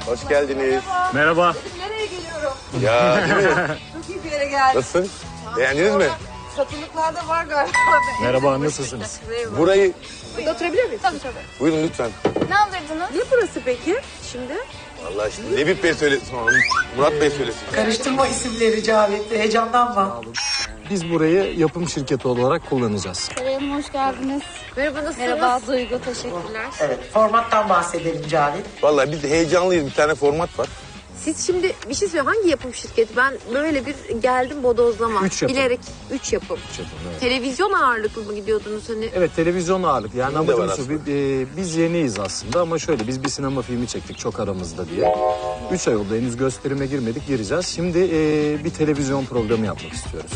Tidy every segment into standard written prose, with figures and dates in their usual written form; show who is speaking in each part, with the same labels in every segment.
Speaker 1: Hoş geldiniz.
Speaker 2: Merhaba.
Speaker 3: Nereye geliyorum?
Speaker 1: Ya değil mi?
Speaker 3: Çok iyi bir yere geldim.
Speaker 1: Nasılsın? Beğendiniz mi?
Speaker 3: Satılıklarda var galiba.
Speaker 2: Merhaba, nasılsınız?
Speaker 1: Burayı
Speaker 3: Burada oturabilir miyiz? Tabii tabii.
Speaker 1: buyurun lütfen.
Speaker 3: Ne alırdınız? Ne burası peki şimdi?
Speaker 1: Vallahi şimdi Lebip Bey söylesin onu. Murat Bey söylesin.
Speaker 4: Karıştırma isimleri Cavit. Heyecanlanma.
Speaker 2: Biz burayı yapım şirketi olarak kullanacağız.
Speaker 5: Selam, hoş geldiniz.
Speaker 3: Merhaba nasılsınız?
Speaker 5: Merhaba Duygu, teşekkürler.
Speaker 4: Evet, formattan bahsedelim Cavit.
Speaker 1: Vallahi biz de heyecanlıyız. Bir tane format var.
Speaker 6: Siz şimdi bir şey söyleyeyim. Hangi yapım şirketi? Ben böyle bir geldim bodozlama.
Speaker 2: 3 yapım.
Speaker 6: Bilerek 3 yapım.
Speaker 2: Evet.
Speaker 6: Televizyon ağırlıklı mı gidiyordunuz hani?
Speaker 2: Evet, televizyon ağırlık. Yani
Speaker 1: Bizim de var
Speaker 2: amacımız şu, biz yeniyiz aslında ama şöyle biz bir sinema filmi çektik çok aramızda diye. 3 ay oldu henüz gösterime girmedik, gireceğiz. Şimdi bir televizyon programı yapmak istiyoruz.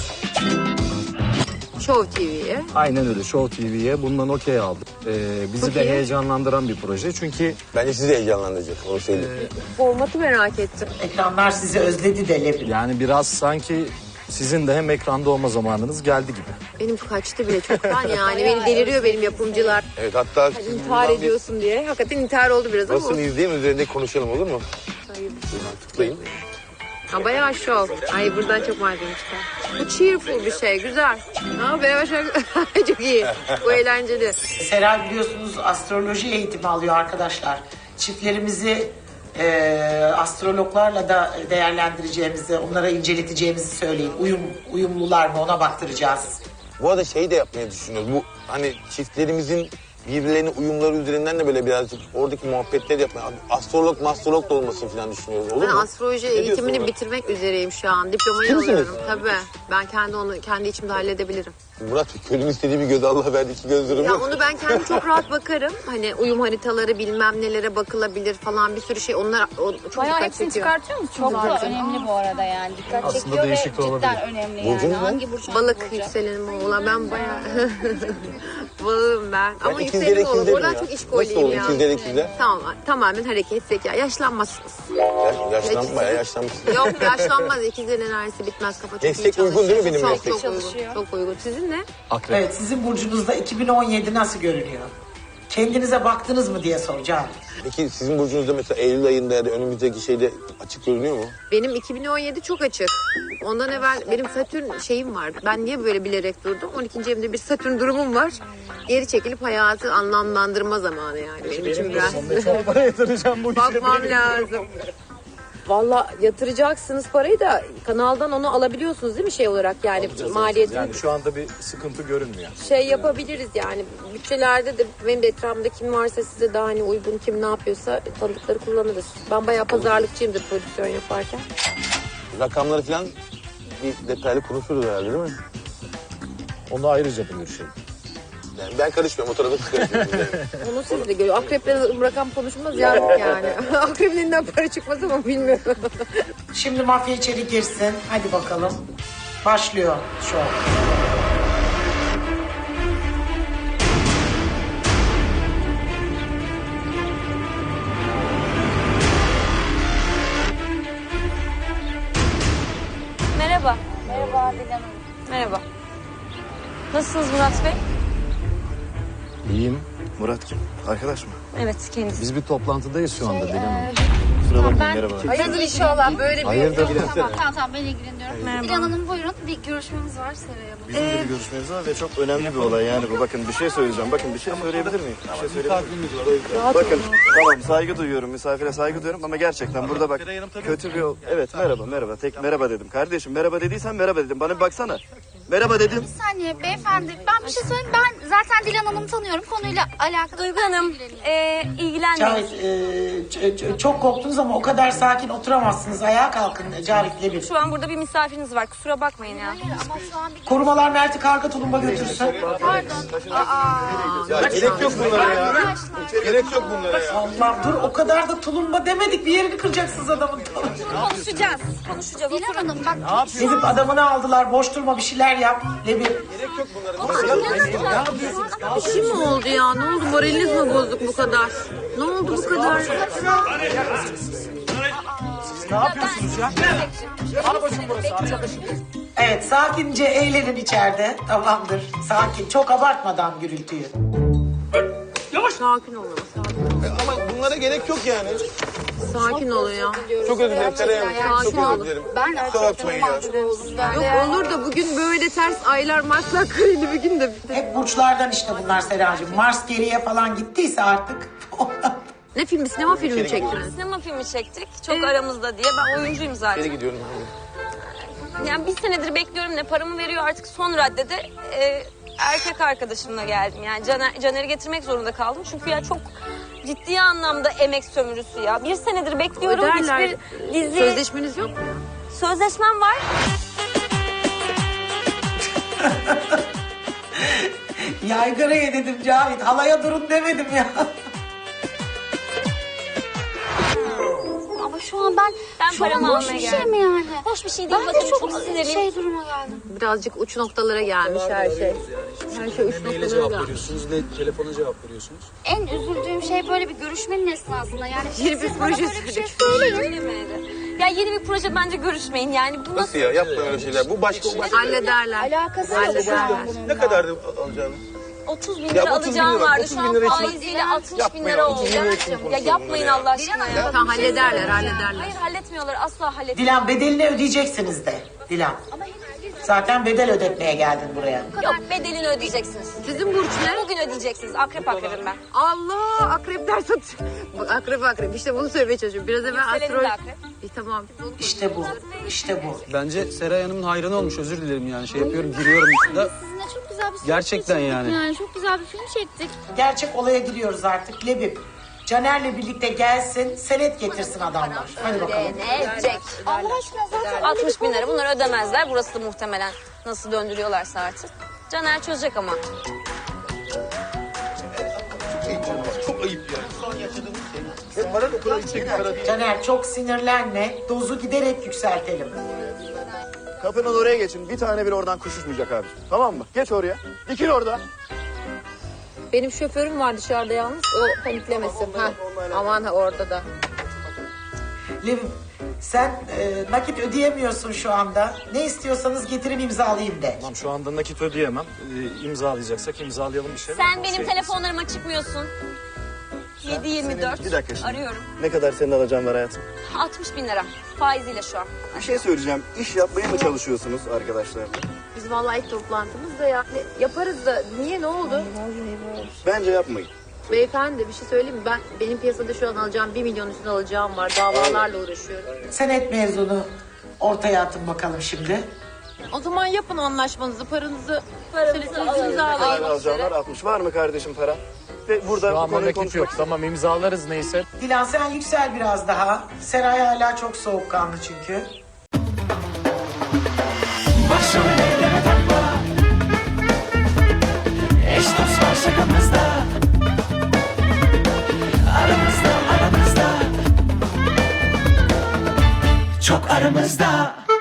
Speaker 6: Show TV'ye.
Speaker 2: Aynen öyle, Show TV'ye bundan okey aldık. Bizi
Speaker 6: Çok
Speaker 2: de
Speaker 6: iyi.
Speaker 2: heyecanlandıran bir proje çünkü...
Speaker 1: Bence sizi de heyecanlandıracak. Onu söyleyeyim.
Speaker 6: Formatı merak ettim.
Speaker 4: Ekranlar sizi özledi de Lebip.
Speaker 2: Yani biraz sanki sizin de hem ekranda olma zamanınız geldi gibi.
Speaker 6: Benim kaçtı bile çoktan yani. Beni deliriyor benim yapımcılar.
Speaker 1: Evet hatta...
Speaker 6: İntihar ediyorsun diye. Hakikaten intihar oldu biraz ama.
Speaker 1: Nasıl izleyin üzerinde konuşalım olur mu? Tıklayın.
Speaker 6: Ha, bayağı şov. Ay buradan çok malzeme çıkar. Bu cheerful bir şey. Güzel. Ha, beraber çok iyi. Bu eğlenceli.
Speaker 4: Seray biliyorsunuz astroloji eğitimi alıyor arkadaşlar. Çiftlerimizi astrologlarla da değerlendireceğimizi, onlara inceleteceğimizi söyleyin. Uyumlular mı ona baktıracağız.
Speaker 1: Bu arada şey de yapmayı düşünüyoruz. Bu hani çiftlerimizin birbirlerine uyumları üzerinden de böyle birazcık oradaki muhabbetleri yapmaya... Astrolog da olmasını falan düşünüyoruz. Olur
Speaker 6: Ben
Speaker 1: mu?
Speaker 6: astroloji
Speaker 1: Ne diyorsun
Speaker 6: eğitimini
Speaker 1: Murat?
Speaker 6: bitirmek üzereyim şu an. Diplomayı
Speaker 1: Ciddi misiniz?
Speaker 6: alıyorum. Tabii. Ben kendi içimde halledebilirim.
Speaker 1: Murat körün istediği bir göz Allah verdi iki göz durumu.
Speaker 6: Ya onu ben kendim çok rahat bakarım. Hani uyum haritaları bilmem nelere bakılabilir falan bir sürü şey. Onlar çok
Speaker 5: Bayağı
Speaker 6: dikkat
Speaker 5: hepsini
Speaker 6: çekiyor.
Speaker 5: çıkartıyor musunuz? Çok da önemli bu arada yani. Dikkat
Speaker 2: Aslında
Speaker 5: çekiyor ve
Speaker 2: değişik de olabilir.
Speaker 5: cidden önemli yani.
Speaker 1: Burcunuz ne?
Speaker 5: Hangi burç?
Speaker 6: Balık yükselenim oğlan. Ben bayağı balığım ben. Ama
Speaker 1: ikizler
Speaker 6: yükselenim oğlan.
Speaker 1: ikizlerim
Speaker 6: Oradan
Speaker 1: ya.
Speaker 6: çok iş
Speaker 1: Nasıl
Speaker 6: koyluyum
Speaker 1: olur
Speaker 6: ya.
Speaker 1: ikizler?
Speaker 6: Tamam. Tamamen hareket zeka. Yaşlanmazsınız.
Speaker 1: Bayağı yaşlanmışsın.
Speaker 6: Yok yaşlanmaz. İkizlerin enerjisi bitmez. Kafa çok
Speaker 1: Meslek
Speaker 6: iyi
Speaker 1: uygun değil mi benim
Speaker 6: çok,
Speaker 1: meslek?
Speaker 6: Çok uygun. Çok uygun. Sizin ne?
Speaker 2: Akrep.
Speaker 4: Evet, sizin burcunuzda 2017 nasıl görünüyor? Kendinize baktınız mı diye soracağım.
Speaker 1: Peki sizin burcunuzda mesela Eylül ayında ya da önümüzdeki şeyde açık görünüyor mu?
Speaker 6: Benim 2017 çok açık. Ondan evvel benim Satürn şeyim var. Ben niye böyle bilerek durdum? 12. evimde bir Satürn durumum var. Geri çekilip hayatı anlamlandırma zamanı yani. Benim için biraz.
Speaker 2: Para yatıracağım bu işe.
Speaker 6: Bakmam lazım. Valla yatıracaksınız parayı da kanaldan onu alabiliyorsunuz değil mi şey olarak yani maliyetini
Speaker 2: Yani şu anda bir sıkıntı görünmüyor.
Speaker 6: şey yapabiliriz yani bütçelerde de benim de etrafımda kim varsa size daha hani uygun kim ne yapıyorsa tanıdıkları kullanırız. Ben bayağı pazarlıkçıyımdır prodüksiyon yaparken.
Speaker 1: Rakamları falan bir detaylı konuşuruz herhalde değil mi?
Speaker 2: Onu ayrıca bir görüşelim.
Speaker 1: Yani ben karışmıyorum o tarafa siz karışmıyorsunuz yani.
Speaker 6: Onu siz de görüyor. Akreple rakam konuşmaz yazık yani. Akrebin elinden para çıkmaz ama bilmiyorum.
Speaker 4: Şimdi mafya içeri girsin. Hadi bakalım. Başlıyor şu an.
Speaker 5: Merhaba. Merhaba Dilan Hanım. Merhaba. Nasılsınız Murat Bey?
Speaker 2: İyiyim.
Speaker 7: Murat kim? Arkadaş mı?
Speaker 5: Evet kendisi.
Speaker 2: Biz bir toplantıdayız şu anda Dilan Hanım.
Speaker 7: Kusura bakmayın merhaba.
Speaker 6: Hayırdır inşallah böyle bir...
Speaker 2: Hayırdır?
Speaker 5: Tamam ben ilgileniyorum. Dilan Hanım buyurun bir görüşmemiz var Seray Hanım.
Speaker 7: Bizim de bir görüşmemiz var ve çok önemli bir olay yani bu. Bakın bir şey söyleyeceğim. Bakın bir şey söyleyebilir miyim? Bir şey söyleyebilir miyim? Bakın tamam saygı duyuyorum. Misafire saygı duyuyorum ama gerçekten burada bak kötü bir... Evet merhaba. Tek merhaba dedim. Kardeşim merhaba dediysen merhaba dedim. Bana bir baksana. Merhaba dedim.
Speaker 5: Bir saniye beyefendi ben bir şey söyleyeyim. Ben zaten Dilan Hanım'ı tanıyorum. Konuyla alakalı. Duygu Hanım ilgilenmeyin.
Speaker 4: Cavit, çok korktunuz ama o kadar sakin oturamazsınız. Ayağa kalkın Cavit Lebip.
Speaker 8: Şu an burada bir misafiriniz var. Kusura bakmayın ya.
Speaker 5: Ama şu an bir
Speaker 4: Korumalar Mert'i karga tulumba götürsün.
Speaker 1: Ya gerek yok bunlara ya. Gerek yok bunlara ya.
Speaker 4: Allah dur o kadar da tulumba demedik. Bir yerini kıracaksınız adamın.
Speaker 8: Konuşacağız. Konuşacağız.
Speaker 5: Dilan Hanım bak.
Speaker 4: Lebip adamını aldılar. Boş durma bir şeyler yap. Lebip.
Speaker 6: Bir şey mi oldu ya? Ne oldu? Moraliniz mi bozuk bu kadar? Ne oldu bu kadar?
Speaker 4: Evet sakince eğlenin içeride. Tamamdır. Sakin. Çok abartmadan gürültüyü.
Speaker 6: Sakin olun. Sakin.
Speaker 1: Ama bunlara gerek yok yani.
Speaker 6: Sakin olun ya.
Speaker 1: Çok özür dilerim Seray Hanım.
Speaker 6: Sakin
Speaker 1: Çok özür
Speaker 6: olun.
Speaker 1: dilerim.
Speaker 5: Ben
Speaker 1: Kusura bakmayın ya.
Speaker 6: Yok olur da bugün böyle ters aylar Marslar kareli bir gün de.
Speaker 4: Hep burçlardan işte bunlar Seracığım. Mars geriye falan gittiyse artık.
Speaker 6: Ne filmi? Sinema filmi mi çektiniz?
Speaker 8: Sinema filmi çektik. Çok aramızda diye. Ben oyuncuyum zaten.
Speaker 1: Nereye gidiyorum ben?
Speaker 8: Yani bir senedir bekliyorum, ne paramı veriyor artık son raddede. Erkek arkadaşımla geldim. Yani Caner'i getirmek zorunda kaldım. Çünkü ya çok ciddi anlamda emek sömürüsü ya. Bir senedir bekliyorum.
Speaker 6: Öderler.
Speaker 8: Hiçbir dizi...
Speaker 6: Sözleşmeniz yok mu?
Speaker 8: Sözleşmem var.
Speaker 4: Yaygaraya dedim Cavit. Halaya durun demedim ya.
Speaker 5: Ama şu an ben şu an
Speaker 8: paramı
Speaker 5: hoş
Speaker 8: almaya
Speaker 5: bir şey
Speaker 8: geldim.
Speaker 5: mi yani?
Speaker 8: Hoş bir şey değil.
Speaker 5: Ben
Speaker 8: Bakın
Speaker 5: de
Speaker 8: çok
Speaker 5: çok
Speaker 8: sinirliyim.
Speaker 5: şey duruma geldim.
Speaker 6: Birazcık uç noktalara gelmiş her şey. Her şey uç
Speaker 2: Maile
Speaker 6: noktalara
Speaker 2: cevap
Speaker 6: gelmiş.
Speaker 2: veriyorsunuz ne telefona cevap veriyorsunuz.
Speaker 5: En üzüldüğüm şey böyle bir görüşmenin esnasında. Yani
Speaker 6: Yeni bir
Speaker 5: siz bana
Speaker 6: proje
Speaker 5: böyle bir şey
Speaker 6: söyledik.
Speaker 8: Söylemedi. Ya yeni bir proje bence görüşmeyin. Yani bu
Speaker 1: Nasıl ya? Yapma öyle şeyler. Bu başka o başka.
Speaker 6: Hallederler.
Speaker 5: alakası yok şu an bunun.
Speaker 1: Ne kadardı alacağınız?
Speaker 8: 30 bin
Speaker 1: Ya
Speaker 8: lira
Speaker 1: 30 bin
Speaker 8: alacağım
Speaker 1: lira,
Speaker 8: vardı.
Speaker 1: 30
Speaker 8: Şu
Speaker 1: bin
Speaker 8: an
Speaker 1: lira için-
Speaker 8: faiziyle 60 bin
Speaker 1: Yapmayın,
Speaker 8: lira
Speaker 1: 30
Speaker 8: oldu.
Speaker 1: bin lira için
Speaker 8: Ya
Speaker 1: konuşalım
Speaker 8: yapmayın
Speaker 1: bunları ya.
Speaker 8: Allah aşkına ya.
Speaker 6: Tamam hallederler hallederler.
Speaker 8: Hayır halletmiyorlar. Asla halletmiyorlar.
Speaker 4: Dilan bedelini ödeyeceksiniz de. Dilan. Zaten bedel ödetmeye geldin buraya.
Speaker 8: Yok bedelini ödeyeceksiniz.
Speaker 6: Sizin burç ne?
Speaker 8: Bugün ödeyeceksiniz. Akrep akrepim ben.
Speaker 6: Allah akrepler satıyor. Akrep işte bunu söylemeye çalışıyorum. Biraz evvel
Speaker 8: Yükselenin
Speaker 6: astrol.
Speaker 8: de akrep.
Speaker 6: Tamam.
Speaker 4: İşte bu. İşte bu.
Speaker 2: Bence Seray Hanım'ın hayranı olmuş özür dilerim yani şey yapıyorum giriyorum da.
Speaker 5: Sizinle çok güzel bir film
Speaker 2: Gerçekten
Speaker 5: çektik
Speaker 2: yani.
Speaker 5: Çok güzel bir film çektik.
Speaker 4: Gerçek olaya giriyoruz artık. Lebip. Caner'le birlikte gelsin, senet getirsin adamlar. Hadi bakalım.
Speaker 8: Ne edecek?
Speaker 5: Allah aşkına zaten
Speaker 8: 60 bin lira. Bunları ödemezler. Burası da muhtemelen nasıl döndürüyorlarsa artık. Caner çözecek ama.
Speaker 1: Çok ayıp ya. Şu an yaşadığımız şey. Ve para da o kadar yüksek bir para değil.
Speaker 4: Caner çok sinirlenme. Dozu giderek yükseltelim.
Speaker 7: Kapının oraya geçin. Bir tane bile oradan kuş uçmayacak abi. Tamam mı? Geç oraya. Dikil orada.
Speaker 6: Benim şoförüm var dışarıda yalnız. O paniklemesin. Ha. Aman orada da.
Speaker 4: Lebip sen nakit ödeyemiyorsun şu anda. Ne istiyorsanız getirip imzalayayım de.
Speaker 2: Tamam şu anda nakit ödeyemem. İmzalayacaksak imzalayalım bir şey.
Speaker 8: Sen benim telefonlarıma çıkmıyorsun. 7-24.
Speaker 7: Bir dakika şimdi.
Speaker 8: Arıyorum.
Speaker 7: Ne kadar senin alacağın var hayatım?
Speaker 8: 60 bin lira. Faiziyle şu an.
Speaker 7: Bir şey söyleyeceğim. İş yapmaya mı çalışıyorsunuz arkadaşlar?
Speaker 6: Biz vallahi ilk toplantımızda ya. Yaparız da niye ne oldu?
Speaker 7: Bence yapmayın.
Speaker 6: Beyefendi bir şey söyleyeyim mi? Benim piyasada şu an alacağım 1 milyon üstüne alacağım var. Davalarla uğraşıyorum.
Speaker 4: Senet mevzunu ortaya atın bakalım şimdi.
Speaker 6: O zaman yapın anlaşmanızı, paranızı
Speaker 8: Paramızı
Speaker 6: imzalayın.
Speaker 7: Alacağınlar 60. Var mı kardeşim para? Ve burada
Speaker 2: Şu
Speaker 7: bu
Speaker 2: anda
Speaker 7: konuyu
Speaker 2: nakit
Speaker 7: konuşmak
Speaker 2: yok. Tamam imzalarız neyse.
Speaker 4: Dilan sen yüksel biraz daha. Seray hala çok soğukkanlı çünkü.
Speaker 9: Başım elleme takma. Eş dost var şakamızda. Aramızda. Çok aramızda.